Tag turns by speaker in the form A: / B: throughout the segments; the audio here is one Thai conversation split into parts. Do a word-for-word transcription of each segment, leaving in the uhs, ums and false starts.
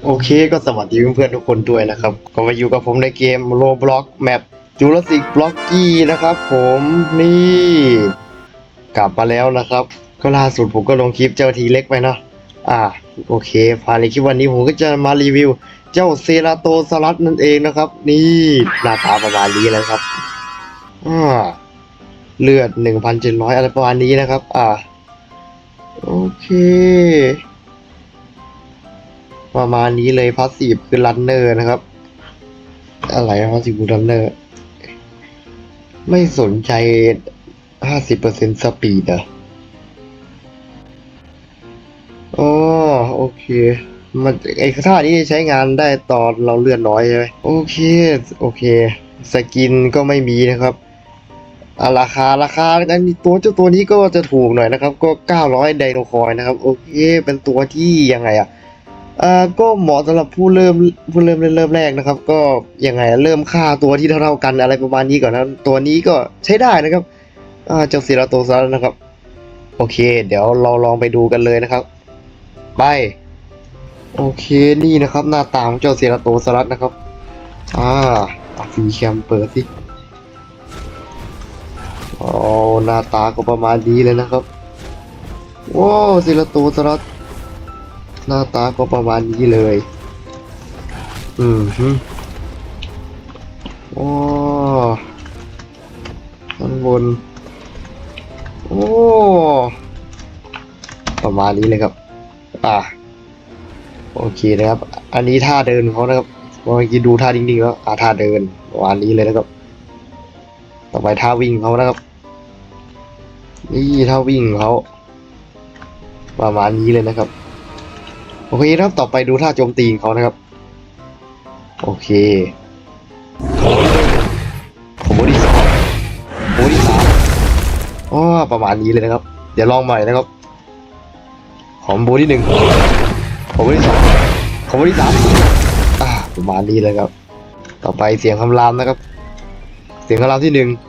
A: โอเคก็สวัสดีเพื่อนๆทุกคนด้วยนะครับก็มาอยู่กับผมในเกม Roblox Map Jurassic Blocky นะครับผมนี่กลับมาแล้วนะครับก็ล่าสุดผมก็ลงคลิปเจ้าทีเล็กไปเนาะอ่าโอเคภายในคลิปวันนี้ผมก็จะมารีวิวเจ้าเซราโตซอรัสนั่นเองนะครับนี่หน้าตาประมาณนี้แล้วครับอ่าเลือด หนึ่งพันเจ็ดร้อย อะไรประมาณนี้นะครับอ่าโอเคประมาณนี้เลยพาสซีฟคือรันเนอร์นะครับอะไรพาสซีฟคือรันเนอร์ไม่สนใจ ห้าสิบเปอร์เซ็นต์ สปีดอ่ะอ๋อโอเคมันไอ้ท่านี้ใช้งานได้ตอนเราเลือดน้อยใช่ไหมโอเคโอเคสกินก็ไม่มีนะครับอ่าราคาราคาอันนี้ตัวเจ้าตัวนี้ก็จะถูกหน่อยนะครับก็เก้าร้อยไดโนคอยนะครับโอเคเป็นตัวที่ยังไงอ่ะอ่าก็เหมาะสำหรับผู้เริ่มผู้เริ่มเล่นเริ่มแรกนะครับก็ยังไงเริ่มค่าตัวที่เท่าๆกันอะไรประมาณนี้ก่อนนะตัวนี้ก็ใช้ได้นะครับอ่าเจ้าเซราโตซัสนะครับโอเคเดี๋ยวเราลองไปดูกันเลยนะครับไปโอเคนี่นะครับหน้าตาของเจ้าเซราโตซัสนะครับอ่าฟีแคมเปิดสิอ๋อหน้าตาก็ประมาณนี้เลยนะครับว้าวเซราโตซัสหน้าตาก็ประมาณนี้เลยอืมฮึว้าวข้างบนโอ้ประมาณนี้เลยครับอ่าโอเคนะครับอันนี้ท่าเดินของเขานะครับเมื่อกี้ดูท่าดิ่งๆแล้วอ่าท่าเดินประมาณนี้เลยนะครับต่อไปท่าวิ่งเขานะครับนี่ท่าวิ่งเขาประมาณนี้เลยนะครับโอเคครับต่อไปดูท่าโจมตีของเขานะครับโอเคผมบอดี้สองผมบอดี้สามอ๋อประมาณนี้เลยนะครับเดี๋ยวลองใหม่นะครับผมบอดี้หนึ่งผมบอดี้สองผมบอดี้สามอ่าประมาณนี้เลยครับต่อไปเสียงคำรามนะครับเสียงคำรามที่หนึ่ง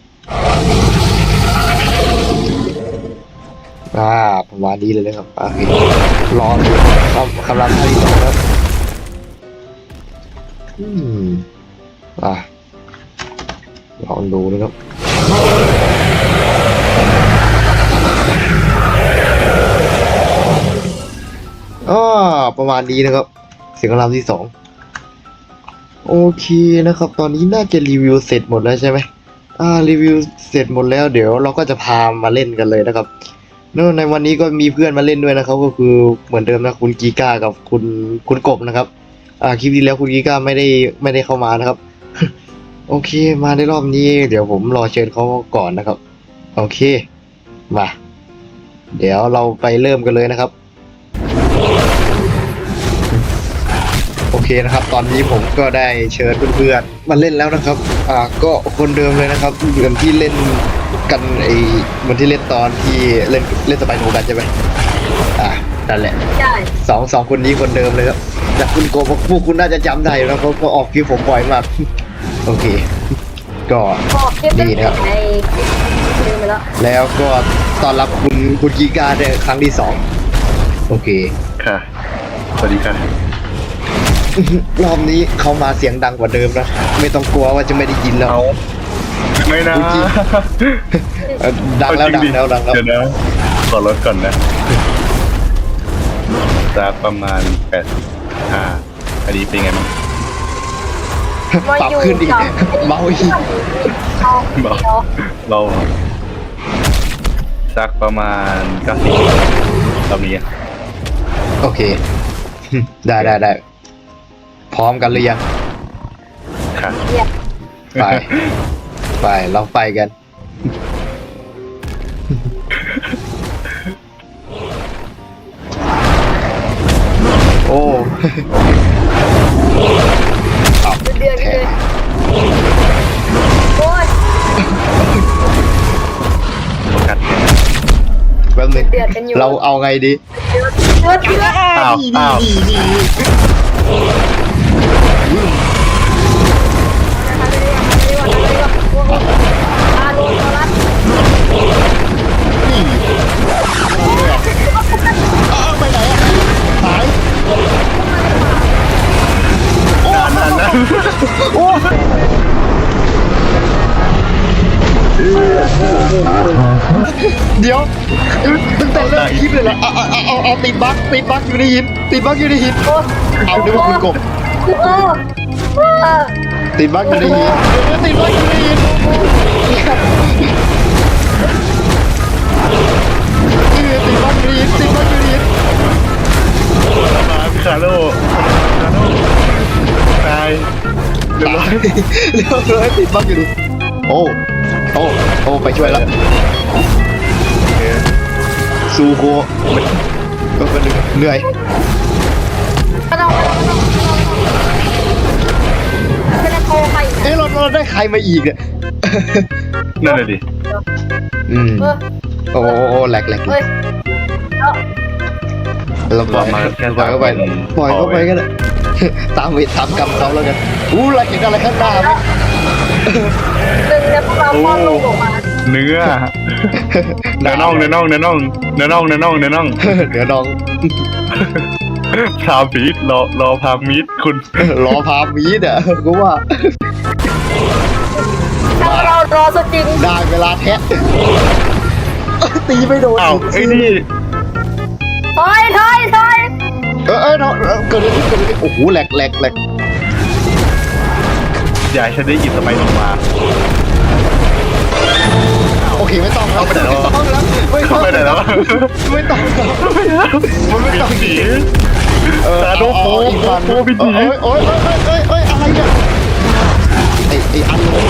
A: อ่าประมาณนี้เลยนะครับโอเครอคำคำรามท่าที่สองครับอืมอ่าลองดูนะครับอ๋อประมาณนี้นะครับเสียงคำรามที่สองโอเคนะครับตอนนี้น่าจะรีวิวเสร็จหมดแล้วใช่ไหมอ่ารีวิวเสร็จหมดแล้วเดี๋ยวเราก็จะพามาเล่นกันเลยนะครับเนื่องในวันนี้ก็มีเพื่อนมาเล่นด้วยนะครับก็คือเหมือนเดิมนะคุณกีก้ากับคุณคุณกบนะครับอ่าคลิปที่แล้วคุณกีก้าไม่ได้ไม่ได้เข้ามานะครับ โอเคมาในรอบนี้เดี๋ยวผมรอเชิญเขาก่อนนะครับโอเคมาเดี๋ยวเราไปเริ่มกันเลยนะครับโอเคนะครับตอนนี้ผมก็ได้เชิญเพื่อนๆมาเล่นแล้วนะครับอ่าก็คนเดิมเลยนะครับเหมือนที่เล่นกันไอ้เหมือนที่เล่นตอนที่เล่นเล่นสไปโนกันใช่ไหมอ่านั่นแหละ
B: ใช่
A: สองสองคนนี้คนเดิมเลยครับจากคุณโกพวกคุณน่าจะจำได้แล้วเพราะก็ออกคลิปผมบ่อยมากโอเคก็นี่นะครับ
B: ในลืมไปแล้ว
A: แล้วก็ต้อนรับคุณคุณกีการในครั้งที่สองโอเค
C: ค่ะสวัสดีค่ะ
A: รอบนี้เขามาเสียงดังกว่าเดิมนะไม่ต้องกลัวว่าจะไม่ได้ยินแล้ว
C: เอาไม่นะ
A: ดังแล้วดังแล้วดังแล้ว
C: เดี๋ยวนะขอลดก่อนนะจะประมาณแปดสิบห้าอันนี้เป็นไงบ้าง
A: ปรับขึ้นอีกเบาอีก
C: เบาเราสักประมาณเก้าสิบตอนนี้
A: โอเคได้ได้ได้พร้อมกันหรือยัง
C: ค่ะ
A: ไปไปเราไปกันโอ้
B: เดือดเลยโอ้ย
C: กัดแขน
A: แป๊บนึงเราเอาไงดี
B: เดือดเดือด
C: อ้าวอ้าว
A: ไปไหนอ่ะหายตั้งแต่เริ่มคลิปเลยเหรอเอาเอาเอาเอาติดบั๊กติดบั๊กอยู่ในหินติดบั๊กอยู่ในหิน
B: โอ้
A: เอานึกว่าคุณกบ
B: โอ้โอ้
A: ติดบั๊กอยู่ในหินเดี๋ยวติดบั๊กอยู่ในหินเออติดบั๊กอยู่ในหินติดบั๊กอยู่ในหิน
C: มาคาโร่คาโร่ตายเรียบร้อย
A: เรียบร้อยติดบั๊กอยู่ดิโอ้โอ้โอ้ไปช่วยแล้ว
C: โอเค
A: ซูโคก็เป็นเหนื่อย
B: ไม่ต้องไม่ต้องไม่ต้องไม่ได้โทรใคร
A: เอ้เราเราได้ใครมาอีกเนี่ย
C: นั่นเลยดิ
A: อืม
B: เออ
A: โอ้โอ้แหลกแหลก
B: เฮ้ยเอา
A: เราปล่อยปล่อยเข้าไปปล่อยเข้าไปก็ได้ตามเวทตามกรรมเขาแล้วกันอู้เราเห็นอะไรข้างหน้าไหม
B: หนึ่งในพวกเราป้อนลูกออกมา
C: เนื้อเนื้อน่องเนื้อน่องเนื้อน่องเนื้อน่องเนื้อน่องเนื้อน่อง
A: เดี๋ยวน้อง
C: พามีดรอรอพามีดคุณ
A: รอพามีดอ่ะกูว่า
B: ถ้าเรารอสจริง
A: ได้เวลาแทะตีไม่โดน
C: อ้าวไอ้นี่
B: ถอยถอยถอย
A: เออเออเนาะเกิดอะไรขึ้นเกิดอะไรขึ้นโอ้โหแหลกแหลกแหลก
C: อย่าให้ฉันได้หยิบสไปร์ลงมา
A: โอเคไม่ต้องแล้วไม่ต้องแล้วไม่ต้อง
C: ไปไหนแล้ว
A: ไม่ต้องแล้ว
C: มันไม่ต้องหนี
A: เออ
C: ตาโดโฟ
A: อีกวัน
C: โฟบินหนี
A: โอ้ยโอ้ยโอ้ยโอ้ยโอ้ยอะไรเนี่ยไอ้ไอ้อันเลย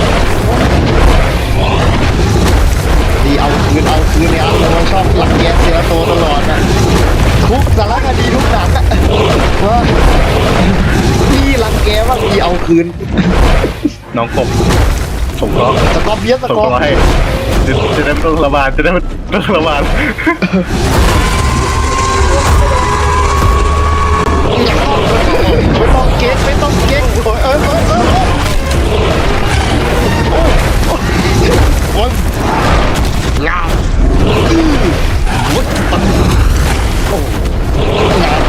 A: ดีเอาคืนเอาคืนเนี่ยอันเลยมันชอบหลักแกเสียโตตลอดอ่ะทุกสารคดีทุกหนังอะว่าพี่รังแกว่าพี่เอาคืน
C: น้องกบสงเคราะห์
A: สกอร์เบียส
C: ส
A: ส
C: ง
A: กอ
C: เค
A: ร์
C: ราะห์ให้จะจะได้ไม่ต้องระบาดจะได้ไม่ต้องระบาด
A: ไม่ต้องเก๊กไม่ต้องเก๊กโอ้ยเอ้ยเอ้ยเอ้ยโอ้ยงามอื้อวุ้ดปังโอ้งาม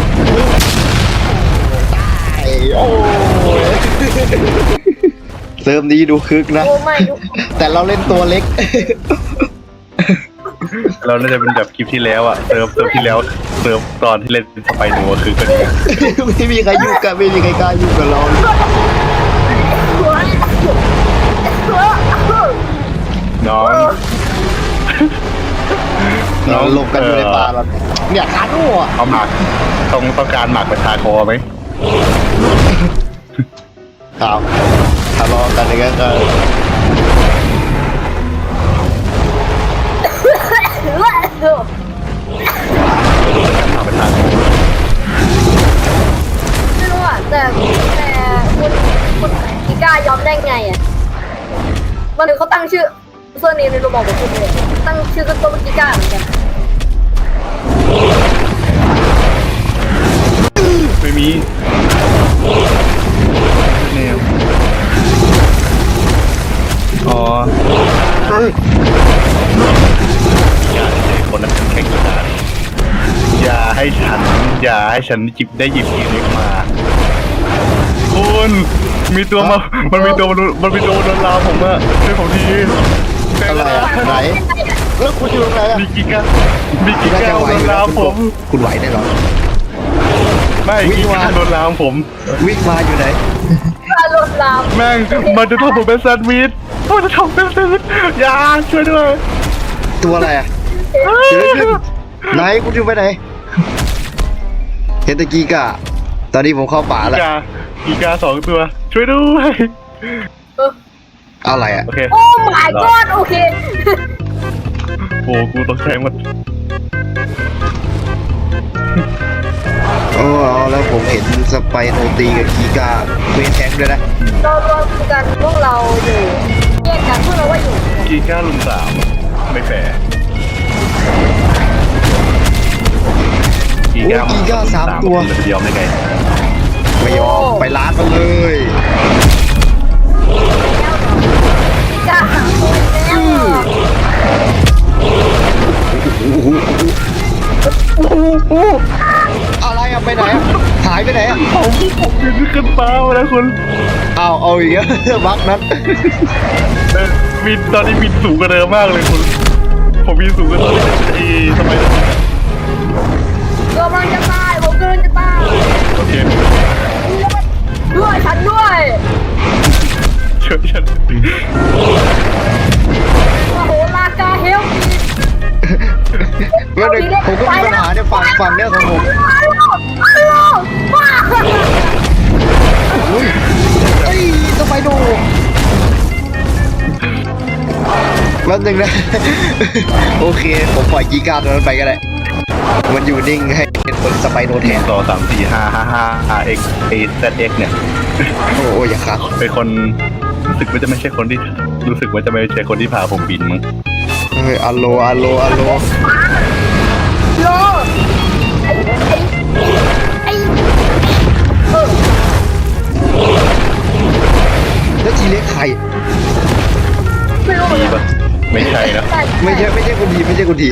A: ตายโอ้ยเสริมนี้ดูคึกนะ
B: โอ้ไม่ยุก
A: แต่เราเล่นตัวเล็ก
C: เราน่าจะเป็นแบบคลิปที่แล้วอะเซิร์ฟเซิร์ฟที่แล้วเซิร์ฟตอนที่เล่นสไปโนคือกัน
A: ไม่มีใครยุ่งกันไม่มีใครกล้ายุ่งกับเราเลย
B: หัวหัว
C: น้อง
A: เราหลบกันอยู่ในป่าแบบเนี่ยคาโน่อะ
C: เอาหมากต้องต้องการหมากประชาคอไหม
A: ครับทะเลาะกันอย่างเงี้ยก็
C: หมากประชาคอ
B: ไม่รู้อ่ะแต่แต่คุณคุณกิก้ายอมได้ไงอ่ะมันถึงเขาตั้งชื่อเสื้อนี้ในรูปบอกของคุณเลยตั้งชื่อต้นกิก้าเหมือนกัน
C: ไม่มีแนวอ๋อ
A: เฮ้ย
C: อย่าให้คนนั้นแข่งกีฬาอย่าให้ฉัน อย่าให้ฉันจิบได้หยิบทีเล็กมา คุณมีตัวมา มันมีตัวมันมีตัวโดนลาวผมอะช่วยผมที
A: อะไรอะไหนแล้วคุณอยู่ตรงไหนอะ
C: มีกิกามีกิ
A: คุณน่าก
C: า
A: จะไหว
C: โด
A: อน ยู่แล้
C: ลาว ว
A: คุ
C: ผ
A: ณ
C: ม
A: คุณไหวได้หรอ
C: ไม่
A: วิ่
C: กิ
A: งมา
C: กาโดนลาวผม
A: วิ่งมาอยู่ไหน
B: อารมณ์ลาม
C: แม่งมันจะทำผมเป็นแซนด์วิชมันจะทำเป็นแซนด์วิชอย่าช่วยด้วย
A: ตัวอะไรอะเจอขึ้นไหนคุณอยู่ไปไหนเฮนตะกีกะตอนนี้ผมเข้าป่า
C: กิ
A: แล้ว
C: กากิกาสองตัว ช่วยด้วย
B: เออ
A: เอาอะไรอะ
C: โอเค
B: โอ้ my god โอเค
C: โอ้กูตกใจหมด
A: โอ้เอาแล้วผมเห็นสไปโนตีกับกีกาเวทแทงด้วยนะ
B: เรารวมกันพวกเราอยู่แยกกันพวกเราว่าอยู่
C: กีกาลุมสามไม่แฟร์
A: โอ้กีกาสามตัว
C: มันจะยอมได้ไง
A: ไม่ยอมไปร้านมันเลย
B: พี่ก้าหาคนแล้วเหรอ
A: อะไรอะไปไหนอะหายไปไหนอะ
C: ผมผมยืนขึ้นฟ้ามาแล้วคุณ
A: เอาเอาอีกแล้วบักนั้น
C: เออบินตอนนี้บินสูงกว่าเดิมมากเลยคุณผมมีสูงกว่าตอนที่ไอ้ทำไม
B: กำลังจะตายผมกำลังจะตาย
C: โอเค
B: ด้วยฉันด้วย
C: ช่วยฉัน
B: โอ้โหลากาเฮล
A: เมื่อหนึ่งผมก็มีปัญหาเนี่ยฝั่งฝั่งเนี่ยของผม
B: ฮัลโหลฮัลโหลว้า
A: อุ้ยเอ้ยสไปโดแป๊บนึงนะ โอเคผมปล่อยกีการ์ดนั้นไปก็ได้มันอยู่นิ่งให้เป็นคนสไปโดแทน
C: ต่อสามสี่ห้าห้าห้า อาร์ เอ็กซ์ เอ แซด เอ็กซ์ เนี่ย
A: โอ้โอ้อย่าครับ
C: เป็นคนรู้สึกว่าจะไม่ใช่คนที่รู้สึกว่าจะไม่ใช่คนที่พาผมบินมั้ง
A: เฮ้ยอัลโลอัลโลอัลโล
B: โลไอ้ไอ้ไอ้เออ
A: แล้วทีเล็กใคร
B: ไม่รู้เหมือน
C: ดี
B: กั
C: ปะ
B: น
C: ไม่ใช่นะ
A: ไม่ใช่ไม่ใช่คนดีไม่ใช่คนดี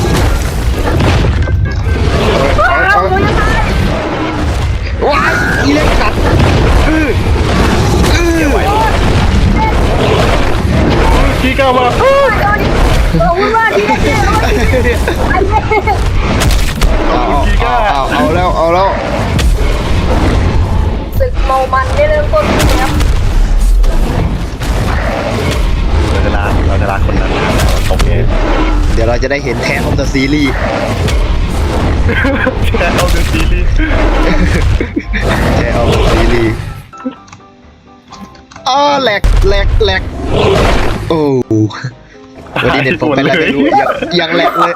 B: เอาเอาเอา
A: ว้ายทีเล็กกัดอืออือ
C: ขี้ก้าวมา
B: เอาวุ่นวายดีดีไอ้เนี่ย
A: เอาเอาเอาเอาแล้วเอาแล้ว
B: ศึกเมามันได้เริ่มต้นขึ้นแล้ว
C: เราจะลาเราจะลาคนนั้นโอเค
A: เดี๋ยวเราจะได้เห็นแทนของ The Series
C: แค่เอาเดอะซีรีส์
A: แทนของ The Series อ้อแหลกแหลกแหลกโอ้วันนี้เน็ตผมเป็นอะไรไม่รู้ยังยังแหลกเลย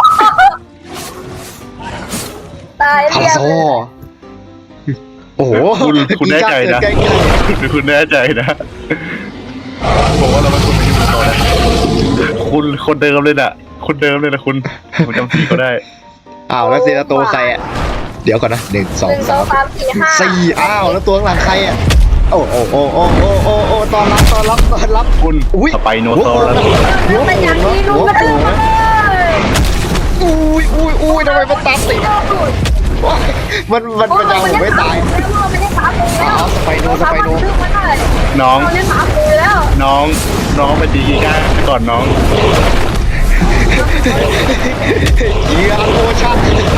B: ตาย
A: ฮัล
B: เรียบ
A: โซโอ้โห
C: คุณคุณแน่ใจนะ
A: ใกล้
C: หรือคุณแน่ใจนะผมว่าเราไม่ควรไปยุ่งกับเขานะคุณคนเดิมเลยน่ะคนเดิมเลยนะคุณผมจำสีเขาได้
A: ๆอ้าวแล้วเซราโตใครอ่ะเดี๋ยวก่อนนะหนึ่งสอ
B: ห
A: ง
B: นึ่งสอ
A: สาง ม
B: สามสี่ห้า
A: สี่อ้าวแล้วตัวข้างหลังใครอ่ะโอ้โอ้โอ้โอ้โอ้โอ้โอ้ตอนรับตอนรับตอนรับ
C: คุณ
A: อุ้ย
C: สไปโนซอรัส
B: แล้วเป็นอย่างนี้ลุงก็ได้เลย
A: อุ้ยอุ้ยอุ้ยทำไมมันตามติดว้ายมันมันมันยังผมไม่ตาย
B: มันได้สามตัวแล้ว
A: อ๋อสไปโนสไปโน
C: น้อง
B: เราได้สามตัวแล้ว
C: น้องน้องไปตีกีก้าก่อนน้อง
A: เกียร์โอชั่น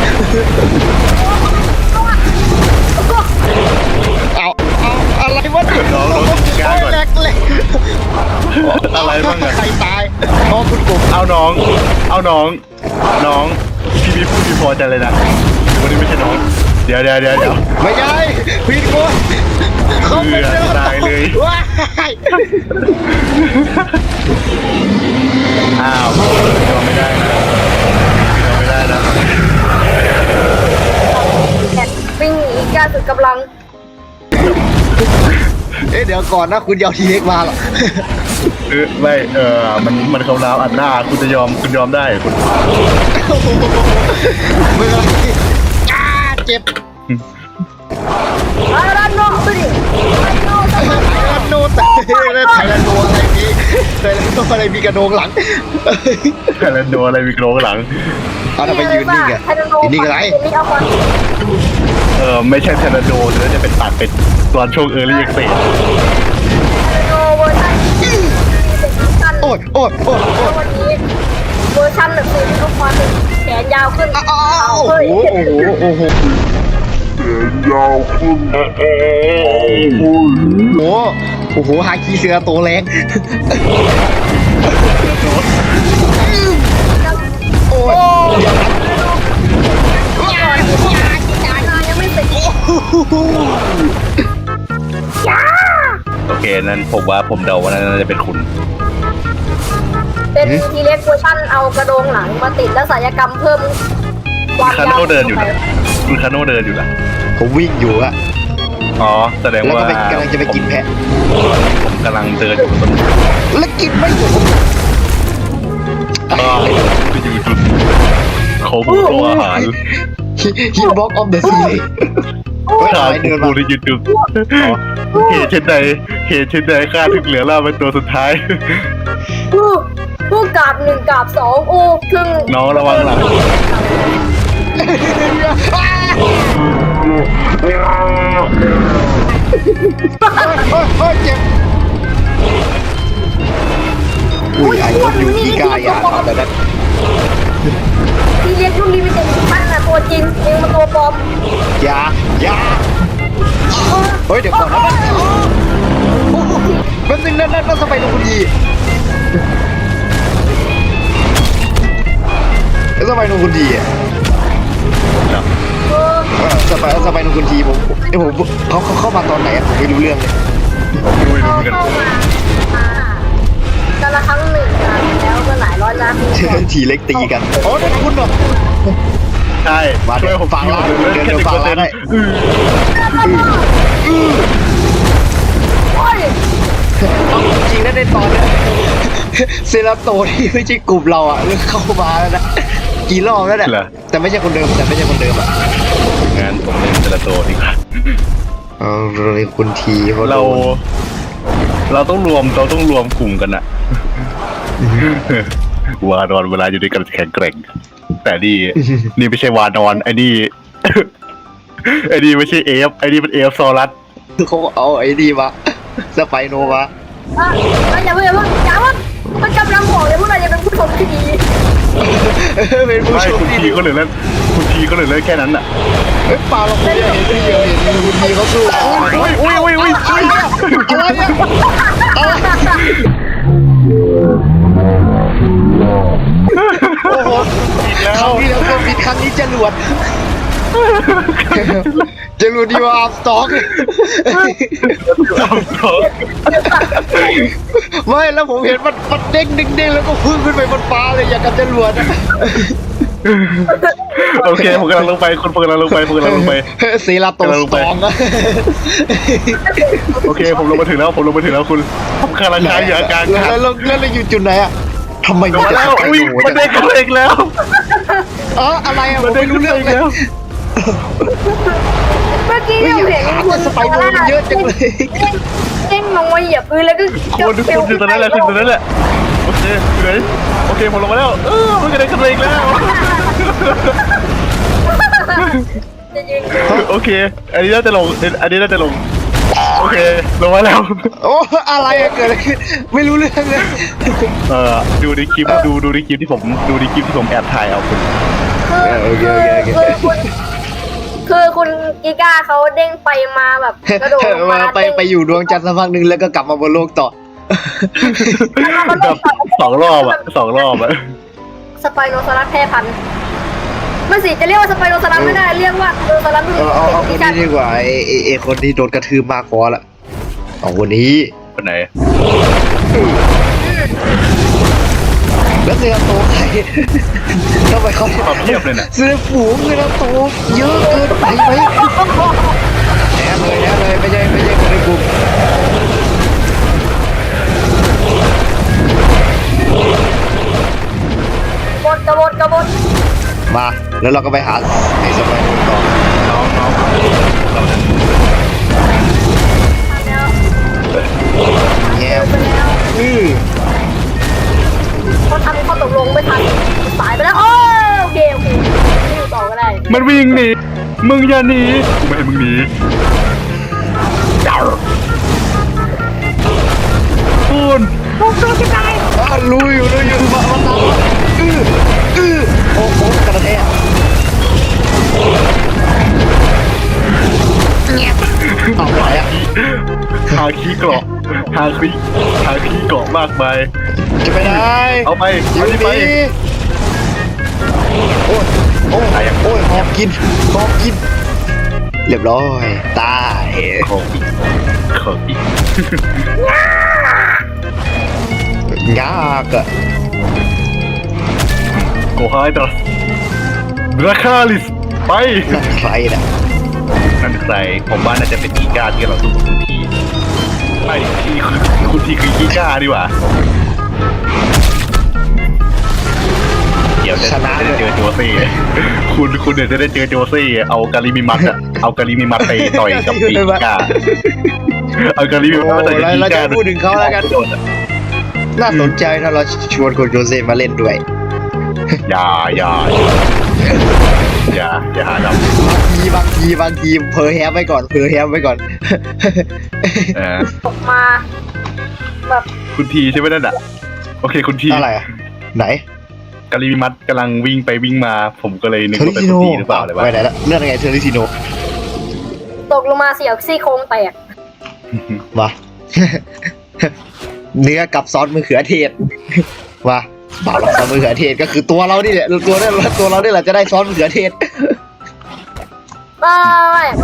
A: เอาเอาอะไรวะเนี่ย
C: น้องน้องกีก้าก่อน
A: แหลกแหลก
C: อะไรบ้างอะ
A: ใครตายอ๋อคุณกบ
C: เอาน้อง เอาน้อง น้องพี่พี่พูดพี่พอใจเลยนะวันนี้ไม่ใช่น้อง เดี๋ยวเดี๋ยวเดี๋ยวเดี๋ยว
A: ไม่ใช่ผิดคนเขาไม่
C: เบื่อตายเลย
A: ว้าย
C: อ้าวยอมไม่ได้นะยอมไม่ได้นะ
B: แข่งวิ่งหนีการสุดกำลัง
A: เอ๊ะเดี๋ยวก่อนนะคุณยาวทีเล็กมาเหรอ
C: เออไม่เออมันมันเขาดาวอัดหน้าคุณจะยอมคุณยอมได้คุณ
A: ไม่เป็นไรอ้าเจ็บ
B: ไอ้รันโนไปดิไอ้โนต
A: ไทยแลนด์โนแต่ไทยแลนด์โนอะไรมีไทยแลนด์โนอะไรมีกระโดงหลัง
C: แล้วโดนอะไรมีโกรงหลัง
A: เอาทำไมยืนนิ่งอ่ะยืนนิ่งอะไร
B: นี่เอาความ
C: เออไม่ใช่เทอร์นาโดหรือจะเป็นตัดเป็นตอนช่วงเออร์ลี่เอ็กเซส
B: โนเวอร์ชันที่เป็นสั้น
A: โอ้ยโอ้ยโอ้ยโอ้ย
B: วันนี้เวอร์ชันแบบคือเอาความเป็นแขนยาวขึ้น
A: อ้าว
B: เฮ้ย
A: โอ้โหโอ้โหยาวขึ้นโอ้โหโอ้โหฮาคีเสือตัวแรงโอ้ย
B: ยังไม่เสร็จ
C: โอเคนั้นผมว่าผมเดาว่าน่าจะเป็นคุณ
B: เป็นทีเล็กเวอร์ชันเอากระโดงหลังมาติดแล้วศัลยกรรมเพิ่มความ
C: คาย
B: าว
C: โน่เดินอยู่นะคุณคาโน่เดินอยู่นะ
A: ผมวิ่งอยู่อะ
C: อ๋อแสดง
A: แล้ว
C: ว่า
A: ก็ไปกำลังจะไปกินแพะ
C: ผมกำลังเดินอยู่ตรง
A: แล้วกินไม่หมด
C: ก็ไปอยู่จุดเขาบุกตัวอาหาร
A: ฮิตบ็อกออฟเดอะซีรีส์
C: ข้าผมพูดที่จุดเหตุเช่นใดเหตุเช่นใดข้าถึงเหลือล่าเป็นตัวสุดท้าย
B: ผู้ผู้กราบหนึ่งกราบสองโอ้ครึ่ง
C: น้องระวังหลัง
A: โอ้ยเจ็บอุ้ยไอ้คนอยู่ที่กายอ่ะเอาแต่นั้น
B: รุ่นลิมิเต็ดมันน่ะตัวจริงเองมันตัวปลอม
A: อย่าอย่าเฮ้ยเดี๋ยวก่อนนะมันนึงนั่นนั่นนั่นสไปโนคุณดีสไปโนคุณดีอ่ะ
B: เออ
A: เออสไปสไปโนคุณดีผมเอ้ผมเขาเขาเข้ามาตอนไหนผมไม่รู้เรื่องเลย
C: ไม่รู้เห
B: เข้า
C: มือนกัน
B: เข้ามาอ่ากันละครั้งหนึ่งนะแล้วก็หลายร้อยล้านปีก่อน
A: ทีเล็กตีกันโอ้นั่นคุณเหรอ
C: ใช่
A: มาเดี๋
C: ช่วย
A: ยว
C: ผม
A: ฟังร้าน
C: เดี๋ยว
A: เดี๋ยว
C: แค่
A: เดี๋ยว
C: สิบ
A: ฟั
C: เปอง ร์เซ็
A: ร้าน น
C: ต์
A: ให้
B: โอ้ย
A: เอาจริงนะในตอนเนี้ยเซราโตที่ไม่ใช่กลุ่มเราอ่ะเริ่มเข้ามาแล้วนะกี่รอบแล้วเนี่ยแต่ไม่ใช่คนเดิมแต่ไม่ใช่คนเดิมอ่ะ
C: งั้นผมเล่นเซราโตดีกว่า
A: เออเราเป็นคุณทีเขา
C: เรา
A: โดน
C: เราต้องรวมเราต้องรวมกลุ่มกันอะวานอนเวลาอยู่ด้วยกันแข็งแกร่ง แต่นี่นี่ไม่ใช่วานอนไอ้นี่ไอ้นี่ไม่ใช่เอฟไอ้นี่เป็นเอฟซอรัส
A: เขาเอาไอ้นี่มาสไปโนมา
B: อ่ะอย่าเพิ่งอย่าเพิ่งอย่าเพิ่งมันกำลังบอกเลยว่าเราจะเป็นผู้ชมที่ดี
A: เป็นผู้
C: ไม่
A: ชม
C: คุณ
A: ที่
C: ที
A: ดี
C: ก็เลยเล่นคุณทีก็เลยเล่นแค่นั้นอะ
A: เฮ้ยปาเราไม่ได้เห็นไม่เดียวเห็นคุณทีเขาสู้
C: อุ้ยอุ้ยอุ้ยอุ้ย
A: อะไรเนี่ยอะไรเนี่ยโอ้โห
C: อีกแล้
A: ครั้
C: ว
A: งที่แล้วก็บินครั้งนี้จรวดจรวดดีว่าอัพสต็อกไม่แล้วผมเห็นมันมันเด้งเด้งเด้งแล้วก็พุ่งขึ้นไปบนฟ้าเลยอย่างกับจรวดอะ
C: โอเคผมกำลังลงไปคนผมกำลังลงไปผมกำลังลงไป
A: เซราโตสตองอะ
C: โอเคผมลงมาถึงแล้วผมลงมาถึงแล้วคุณผมกำลังใช้ยาการ
A: แล้วแล้วแล้วเราอยู่จุดไหนอะทำไม
C: ลงมาแล้วอุ้ยมันได้กันอีกแล้ว
A: เอออะไรอะผ
C: มัน
A: ม
C: ได้
A: ไม่
C: กั
A: รู้
C: น
A: เรื่อง
C: อีก
A: เลย
C: แล้ว
B: เมื่อกี้
A: เฮ้ย
B: เรา
A: อย่า
B: เห็น
A: ถามว่าสไปโนมันเยอะจังเลย
B: เด้งลงมาเหยียบพื้นแล้วก็
C: คนทุกคนอยู่ตรงนั้นแหละคุณตรงนั้นแหละโอเคอยู่ไหนโอเคผมลงมาแล้วเออมันก็ได้กันอีกแล้ว
B: จะยืน
C: โอเค อันนี้น่าจะลงอันนี้น่าจะลงโอเคลงมาแล้ว
A: โอ้อะไรอะเกิดอะไรขึ้นไม่รู้เรื่องเลย
C: เออดูในคลิปดูดูในคลิปที่ผมดูในคลิปที่ผมแอบถ่ายเอาคุณ
B: คือคือคุณคือคุณกิก้าเขาเด้งไปมาแบบกระโดดลง
A: มา
B: มา
A: ไปไปอยู่ดวงจันทร์สักพักหนึ่งแล้วก็กลับมาบนโลกต่อ
C: แบบสองรอบอะสองรอบอะ
B: สไปโนซอรัสแพร่พันธุ์ไม่สิจะเรียกว่าสไปโนซอรัสไม่ได้เรียกว่าโนซอรัส
A: เอาเอาเอาคนนี้ดีกว่าไอไอ้ไอคนที่โดนกระทืบมากพอละเอาคนนี้
C: คนไหน
A: แล้วเสือโตใครทำไมเขา
C: ความเทียบเลยน่ะ
A: เสือฝูงเสือโตเยอะเกินไปไหมแน่เลยแน่เลยไม่ใช่ไม่ใช่คนในกลุ่ม
B: กบฏกบฏกบฏ
A: มาแล้วเราก็ไปหาไอ้สมัยนู้นต่อ
C: น้องน้องเราจะ
B: แล้ว
A: แง่
B: ไปแล้ว
A: อือ
B: เขาทำข้อตกลงไม่ทันสายไปแล้วโอ้โอเคโอเคไม่อยู่ต่อก็ได้
C: มันวิ่งหนีมึงอย่าหนีกูไม่ให้มึงหนีคุณ
A: อ่ะรู้อยู่รู้อยู่มามาตามมาอืออือโอ้โหกระแทกเอาไปอ่ะ
C: หาขี้เกราะหาขี้หาขี้เกราะมากมาย
A: จะไปไหน
C: เอาไป
A: อยู่
C: เอา
A: ดี
C: ไป
A: โอ้ยโอ้ยโอ้ยหอบกินหอบกิน เรียบร้อยตาย
C: ของอีกของอีก
A: ยากอะ
C: โกไฮดรัสราคาลิสไป
A: นั่นใครน่ะ
C: นั่นใครผมว่าน่าจะเป็นอีกาที่เราสู้กับคุณทีไม่ที่คุณทีคืออีกาดีกว่าเดี๋ยวจะได้เจอโจซี่คุณคุณเดี๋ยวจะได้เจอโจซี่เอากาลิมิมัสอะเอากาลิมิมัสไปต่อยกับอีกาเอากาลิมิ
A: โอ้
C: มัสไปต่อยกับ
A: เรา
C: อี
A: เราจะ
C: กา
A: พูดถึงเขาแล้วกัน น่าสนใจถ้าเราชวนคุณโจเซ่มาเล่นด้วย
C: อย่าอย่าอย่าอย่าหาด
A: บางทีบางทีบางทีเพอแฮปไว้ก่อนเพอแฮปไว้ก่อน
C: ำเออ
B: ออกมาแบบ
C: คุณทีใช่ไหมนั่นอ่ะโอเคคุณที
A: อะไรอะไหน
C: กาลิมัดกำลังวิ่งไปวิ่งมา ผมก็เลยนึก
A: เทอริ
C: ว่าเป็น
A: ซิโน
C: คนดีหรือเปล่าเลยว่า
A: ไปไหนละเรื่องอะไรเทอริซิโน
B: ตกลงมาเสียวซี่โครงแตก
A: มา เนื้อกับซอสมะเขือเทศมาบ่าวหลักซอสมะเขือเทศก็คือตัวเรานี่แหละตัวนี้ตัวเรานี่แหละจะได้ซอสมะเขือเทศ
B: ไม่ไม่มัน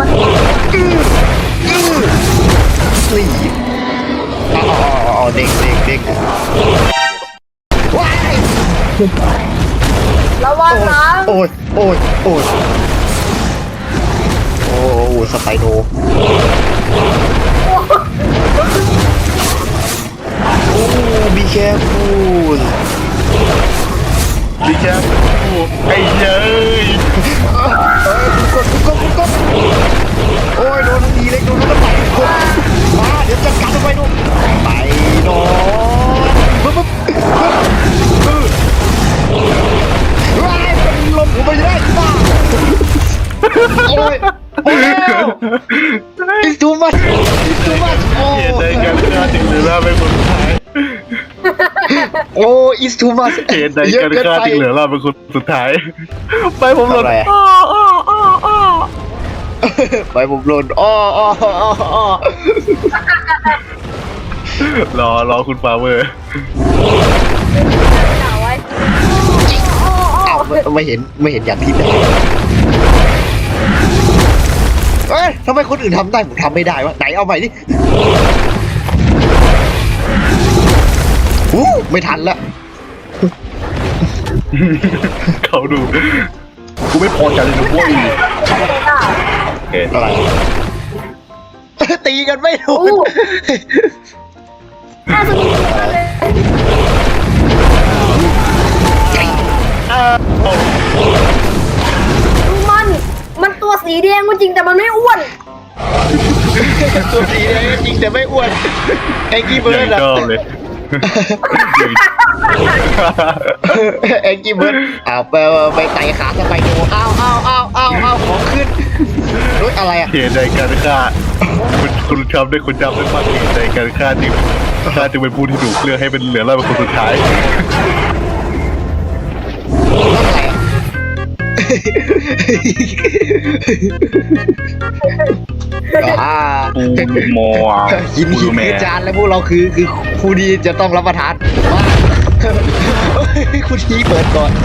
A: นี่อ๋ออ๋อเด็กเด็กเด็กว้าย
B: ระวังนะ
A: โอ้ยโอ้ยโอ้ยโอ้โหสไปโนโอ้บีแคร์ฟูล
C: ดิแค่ไอ้เย้ย
A: เอ้ยกดกดกดโอ้ยโดนทีเล็กโดนแล้วไปกดมาเดี๋ยวจัดการไปดูไปนอนปึ๊บปึ๊บปึ๊บว้ายเป็นลมผมไปได้ป้าโอ้ยโอ้ยอิสตูมัสอิสตูมัสโอ้
C: เหตุใดกันฆ่าถึงเหลือเราเป็นคนสุดท้าย
A: โอ้อิสตูมัส
C: เหตุใดกันฆ่าถึงเหลือเราเป็นคนสุดท้าย ไปผมหล่นอ้ออ้ออ้ออ้อ
A: ไปผมหล่นอ้ออ้ออ้ออ้อ
C: รอรอคุณฟาเวอร์
B: ด่าไว้
A: อ้าวไม่ไม่เห็นไม่เห็นอย่างที่ได้เอ้ยทำไมคนอื่นทำได้ผมทำไม่ได้วะไหนเอาใหม่ดิอู้ไม่ทันละ
C: เขาดู กูไม่พอใจเลยนะเว้ยโอเค
A: อะไร ตีกันไม่ถูก
B: น่าสนุกเลยดูมัน มันตัวสีแดงก็จริงแต่มันไม่อ้วน
A: ตัวสีแดงจริงแต่ไม่อ้วนไอ้กี้เบิร์ด
C: อย่าง
A: อะ
C: ชอบเลย
A: ไอ้กี้เบิร์ดอ้าวไปไปไต่ขาสไปโดอ้าวอ้าวอ้าวอ้าวอ้าวของขึ้นรถอะไรอะ
C: เหตุใดการฆ่าคุณคุณทำได้คุณจำได้มากเหตุใดการฆ่าจึงฆ่าจึงเป็นผู้ที่ถูกเลือกให้เป็นเหลือเราเป็นคนสุดท้าย
A: รถอะไรอะอ่า
C: ปูมอ
A: หินหินคือจานแล้วพวกเราคือคือครูดีจะต้องรับประทานมาครูดีเปิดก่อน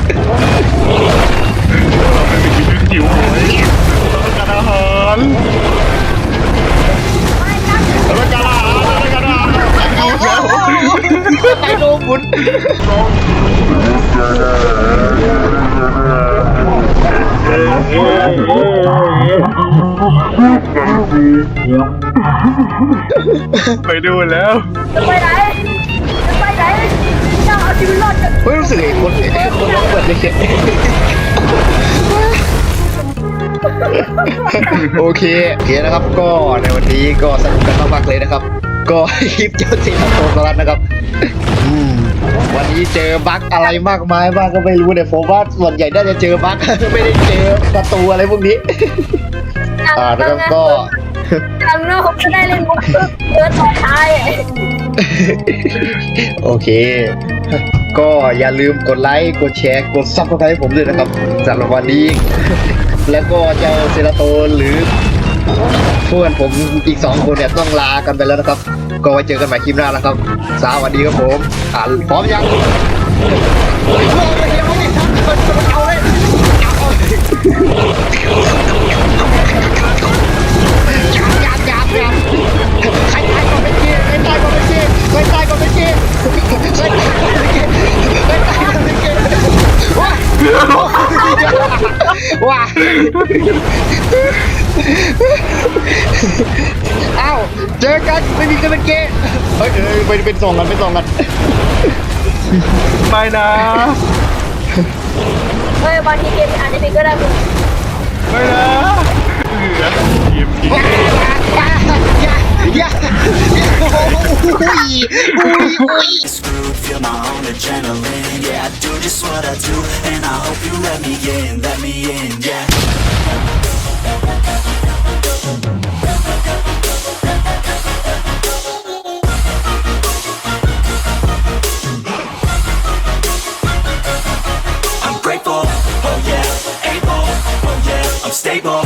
C: ไม่มีชีวิตหิวโหยต้องการอาหารต้องการอาหารต้องการอาหารหิวแล้ว
A: ไปโดนบุญ
C: ไปดูแล้ว
B: จะไปไหน จะไปไหนจะเอาชีวิตรอดกัน
A: เฮ้ยรู้สึกไอ้คนไอ้คนร้องเปิดเลยเข็ดโอเคโอเคนะครับก็ในวันนี้ก็สนุกกันมากๆเลยนะครับ ก็คลิปเจ้าสิงโตสลัดนะครับอืมวันนี้เจอบั๊กอะไรมากมายบ้างก็ไม่รู้เนี่ยผมว่าส่วนใหญ่น่าจะเจอบั๊ก ไม่ได้เจอศัตรูอะไรพวกนี้ อ่าแล้วก็
B: ครั้งหน้าผมจะได้เล่นมุกเดินต่อท้าย
A: โอเค ก็อย่าลืมกดไลค์กดแชร์กดซับสไครต์ให้ผมด้วยนะครับสำหรับวันนี้ แล้วก็เจ้าเซราโตนหรือเพื่อนผมอีกสองคนเนี่ยต้องลากันไปแล้วนะครับ ก็ไว้เจอกันใหม่คลิปหน้าแล้วครับสวัสดีครับผมอ่าพร้อมยังเอาเลยยับยับยับใครตายก่อนเป็นเกย์ใครตายก่อนเป็นเกย์ใครตายก่อนเป็นเกย์ใครตายก่อนเป็นเกย์ใครตายก่อนเป็นเกย์ว้าว้าเอ้าเจอกันไม่มีกันเป็นเกย์เฮ้ยเอ้ยไปเป็นสองกันเป็นสองกัน
C: ไม่นะ
B: เฮ้ยบางทีเกมอาจจะมีก็ได้คุณ
C: ไม่นะเหลือเกมที่
A: อย่าอย่าอย่าโอ้โหอุ้ยอุ้ยอุ้ย
D: Screwed, feel my own adrenaline. Yeah, I do just what I do, and I hope you let me in, let me in, yeah. stable.